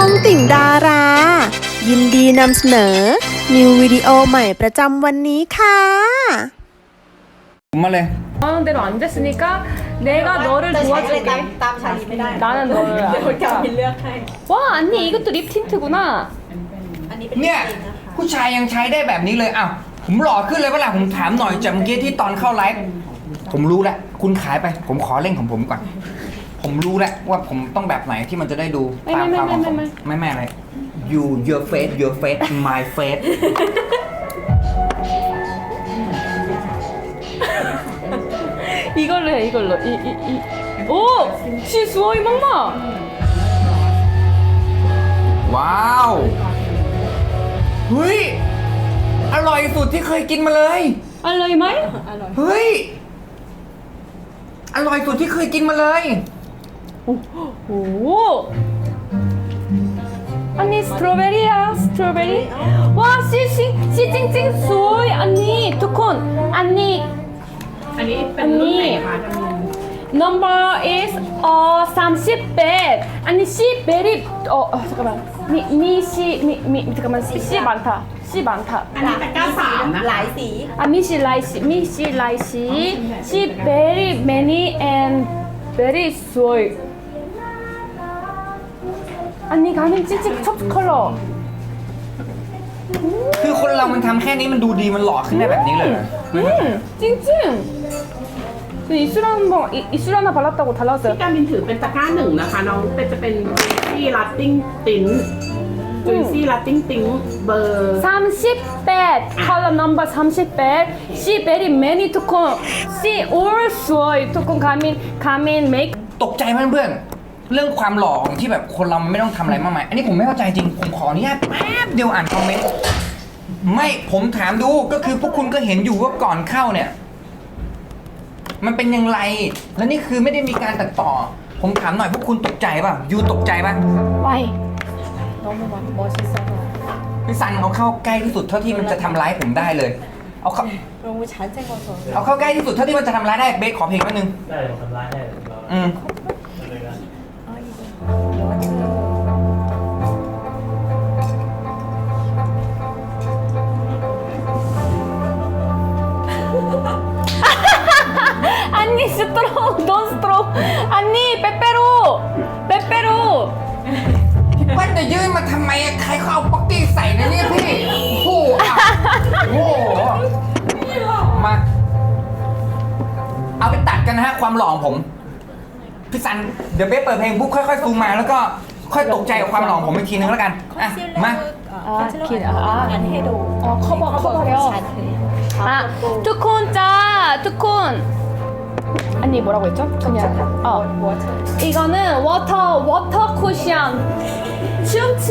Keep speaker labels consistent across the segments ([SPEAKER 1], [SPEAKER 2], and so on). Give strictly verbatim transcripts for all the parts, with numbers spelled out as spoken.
[SPEAKER 1] องติ่งดารา ยินดีนำเสนอ นิววิดีโอใหม่ประจำวันนี้ค่ะ
[SPEAKER 2] มาเลย
[SPEAKER 3] 원하는 대로 안 됐으니까 내가 너를
[SPEAKER 4] จะใช้อะไรตาม
[SPEAKER 3] 도와줄게.
[SPEAKER 4] ตามชาลีไม่ได้
[SPEAKER 3] 나는 너를
[SPEAKER 4] เดี๋ยวกา
[SPEAKER 3] 알아.
[SPEAKER 4] มินเลือกให้
[SPEAKER 3] 와 언니 이것도 립 틴트구나.
[SPEAKER 4] อันนี้เป็น
[SPEAKER 2] เนี่ย
[SPEAKER 4] จริงนะคะ
[SPEAKER 2] ผู้ชายยังใช้ได้แบบนี้เลยอ้าวผมหล่อขึ้นเลยเวลาผมถามหน่อยจากเมื่อกี้ที่ตอนเข้าไลฟ์ผมรู้แล้วคุณขายไป ผมขอเล่นของผมก่อน ผมรู้แล้วว่าผมต้องแบบไหนที่มันจะได้ดู
[SPEAKER 3] ไม่
[SPEAKER 2] ตาม
[SPEAKER 3] ไม่
[SPEAKER 2] ความเหมาะสม
[SPEAKER 3] ไม่
[SPEAKER 2] ไม่ไม่อะไร you your face your face my face
[SPEAKER 3] 이걸로 해 이걸로. 이 이 이. 오! 시 수어이 막마.
[SPEAKER 2] ว้าวเฮ้ยอร่อยสุดที่เคยกินมาเลย
[SPEAKER 3] 알로이 마이?
[SPEAKER 2] เฮ้ยอร่อยสุดที่เคยกินมาเลย
[SPEAKER 3] 오. 오. 언니 스트로베리야 스트로베리. 와 씨씨 씨찡찡 수어이 언니 두콘 언니
[SPEAKER 5] อันนี้เป็นรุ่นไหนคะจำนวน
[SPEAKER 3] number is 어 삼십 배. 아니 씨 베리 어, 어 잠깐만 미미씨미미 잠깐만 씨, 씨 많다 씨 많다
[SPEAKER 5] อันนี้เป็นเก้าสามนะ
[SPEAKER 4] หลายสี
[SPEAKER 3] 아 미씨 라이씨 미씨 라이씨 씨 very many and very soy 아니 가면 찌찌 첩 컬러
[SPEAKER 2] คือคนเรามันทำแค่นี้มันดูดีมันหล่อขึ้นได้แบบนี้เลยเหรอ
[SPEAKER 3] 음 찡찡 저 이술 한번 이- 이술 하나 발랐다고
[SPEAKER 5] ที่
[SPEAKER 3] 달라졌어요
[SPEAKER 5] การบินถือเป็นตะกร้าหนึ่งนะคะ น้องเป็นจะเป็นซี่ลัตติ้งติ้นจุยซี่ลัตติ้งติ้งเบอร์
[SPEAKER 3] 삼십 배 컬러 넘버 삼십 배 씨 very many 투콘 씨 all soy 투콘 가민 가민 make
[SPEAKER 2] ตกใจไหมเพื่อนเรื่องความหล่อของที่แบบคนเรามันไม่ต้องทำอะไรมากมายอันนี้ผมไม่เข้าใจจริงผมขออนุญาตแป๊บเดียวอ่านคอมเมนต์ไม่ผมถามดูก็คือพวกคุณก็เห็นอยู่ว่าก่อนเข้าเนี่ย มันเป็นยังไงแล้วนี่คือไม่ได้มีการตัดต่อ ผมถามหน่อยพวกคุณตกใจป่ะยูตกใจป่ะ
[SPEAKER 3] 와이
[SPEAKER 4] 너무 멋있어서
[SPEAKER 2] พี่ซันเอาเข้าใกล้ที่สุดเท่าที่มันจะทำร้ายผมได้เลย เอาเข้า
[SPEAKER 4] 너무 잘생겨서
[SPEAKER 2] เอาเข้าใกล้ที่สุดเท่าที่มันจะทำร้ายได้เบสขอเพลงแป๊บนึง
[SPEAKER 6] ได้ผมทำร้ายได้เรา
[SPEAKER 2] อืม
[SPEAKER 6] เลยนะ
[SPEAKER 4] 아 이거 여자
[SPEAKER 3] 언니 스트롱 넌 스트롱 언니 빼빼로 빼빼로
[SPEAKER 2] เปิ้ลจะยื่นมาทำไมอะใครเขาเอาป๊อกกี้ใส่นะเนี่ยพี่โอ้โหอ่ะโอ้โหมา เอาไปตัดกันนะฮะความหล่อของผม พี่ซัน เดี๋ยวเบสเปิดเพลงปุ๊บค่อยๆซูมมาแล้วก็ค่อยตกใจกับความหล่อของผมอีกทีนึงแล้วกัน อ่ะ
[SPEAKER 4] 컨실러
[SPEAKER 2] มา
[SPEAKER 4] 아, 컨실러
[SPEAKER 3] 긴- 아,
[SPEAKER 4] 안 해도
[SPEAKER 3] 어 커버 커버요
[SPEAKER 4] 잔해
[SPEAKER 3] 아 투콘 짜 투콘 언니 뭐라고 했죠? 그냥 어
[SPEAKER 4] 워터
[SPEAKER 3] 이거는 워터 워터 쿠션 춤춘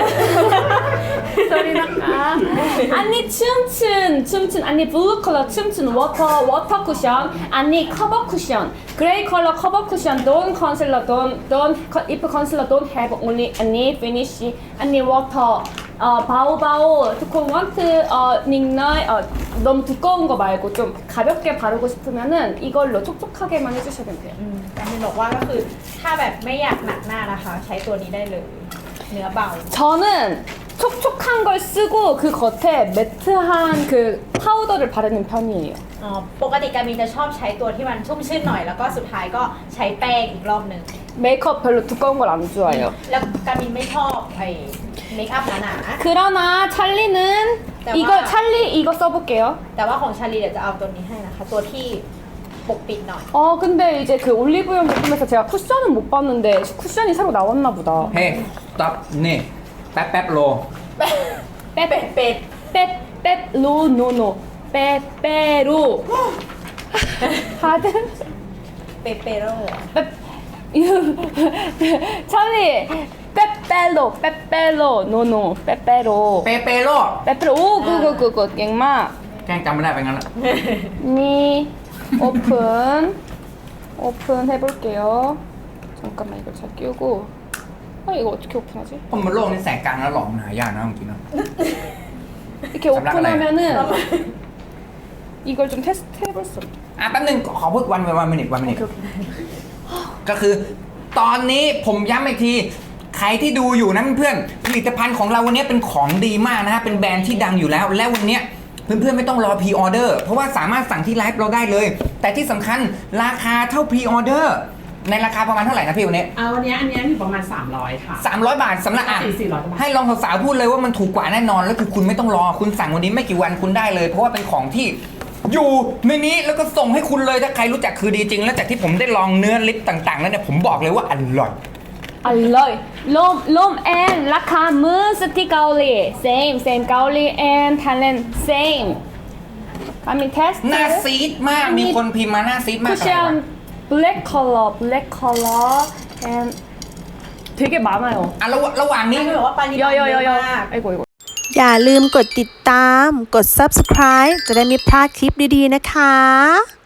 [SPEAKER 3] 소리 나까 언니 춤춘 춤춘 언니 블루 컬러 춤춘 워터 워터 쿠션 언니 커버 쿠션 그레이 컬러 커버 쿠션 don't concealer don't don't if concealer don't have only 언니 finish 언니 워터 어 바오바오 두콘 원트 어 닉나이 어 너무 두꺼운 거 말고 좀 가볍게 바르고 싶으면은 이걸로 촉촉하게만 해주시면 돼요.
[SPEAKER 4] การมินบอกว่าก็คือถ้าแบบไม่อยากหนักหน้านะคะ ใช้ตัวนี้ได้เลย เนื้อเบา
[SPEAKER 3] 저는 촉촉한 걸 쓰고 그 겉에 매트한 그 파우더를 바르는 편이에요.
[SPEAKER 4] อ๋อปกติการมินจะชอบใช้ตัวที่มันชุ่มชื่นหน่อยแล้วก็สุดท้ายก็ใช้แป้งอีกรอบหนึ่ง
[SPEAKER 3] 메이크업 별로 두꺼운 걸 안 좋아해요.
[SPEAKER 4] แล้วการมินไม่ชอบไอ้เมคอัพหนา
[SPEAKER 3] 그러나 찰리는
[SPEAKER 4] 대박.
[SPEAKER 3] 이거 찰리 이거 써볼게요.
[SPEAKER 4] ๆแต่ว่าของชาลีเดี๋ยวจะเอาตัวนี้ให้นะคะ ตัวที่ปกปิดหน่อย
[SPEAKER 3] 어 근데 이제 그 올리브영 제품에서 제가 쿠션은 못 봤는데 쿠션이 새로 나왔나 보다.
[SPEAKER 2] เฮ้ต็อปนี่ แป๊บแป๊บโล
[SPEAKER 4] เป็ดเป็ด
[SPEAKER 3] 빼빼로 노노 빼빼로 하든
[SPEAKER 4] เป็ดเปโร่
[SPEAKER 3] 빼 찰리 빼빼로 빼빼로 노노 빼빼로
[SPEAKER 2] เปเปโล
[SPEAKER 3] 빼빼로 오 그거 그거 갱마
[SPEAKER 2] แกล้งจำไม่ได้ไปงั้นละ
[SPEAKER 3] 니 오픈 오픈 해볼게요 잠깐만 이거 잘 끼우고 아 이거 어떻게 오픈하지?
[SPEAKER 2] คนบนโลกนี่แสงกลางแล้วหล่อมันหายากนะจริงๆนะ
[SPEAKER 3] 이렇게
[SPEAKER 2] 잠깐
[SPEAKER 3] 오픈하면은 이걸 좀 테스트 해볼 수 없
[SPEAKER 2] อ่ะแป๊บนึงขอพูดวันวันมินิวันมินิก็คือ ตอนนี้ผมย้ำอีกทีใครที่ดูอยู่นะเพื่อนๆผลิตภัณฑ์ของเราวันนี้เป็นของดีมากนะฮะเป็นแบรนด์ที่ดังอยู่แล้วและวันนี้เพื่อนๆไม่ต้องรอพรีออเดอร์เพราะว่าสามารถสั่งที่ไลฟ์เราได้เลย แต่ที่สำคัญราคาเท่าพรีออเดอร์ในราคาประมาณเท่าไหร่นะพี่วันนี้
[SPEAKER 5] เอาวันนี้อันนี้อยู่ประมาณสามร้อยค่ะ
[SPEAKER 2] สามร้อยบาทสำหรับอ่ะ
[SPEAKER 5] สี่ร้อยกว่าบาท
[SPEAKER 2] ให้ลองสาวๆพูดเลยว่ามันถูกกว่าแน่นอนแล้วคือคุณไม่ต้องรอคุณสั่งวันนี้ไม่กี่วันคุณได้เลย เพราะว่าเป็นของที่อยู่ในนี้แล้วก็ส่งให้คุณเลยถ้าใครรู้จักคือดีจริงแล้วจากที่ผมได้ลองเนื้อลิปต่างๆแล้วเนี่ยผมบอกเลยว่าอร่อย
[SPEAKER 3] อร่อยลมลมแอนราคามือสติเกาหลี same same เกาหลี and Thailand same I mean test
[SPEAKER 2] หน้าซีดมากมีคนพิมพ์มาหน้าซีดมากอะไรวะ
[SPEAKER 3] 쿠션 black color black color and 되게 많아요
[SPEAKER 2] อ่ะระหว่างระหว่างนี้
[SPEAKER 4] คือแบบว่าปริมาณเยอะ
[SPEAKER 3] 여여여여
[SPEAKER 4] มาก
[SPEAKER 3] 아이고 이거
[SPEAKER 1] อย่าลืมกดติดตาม กด ซับสไครบ์ จะได้ไม่พลาดคลิปดีๆนะคะ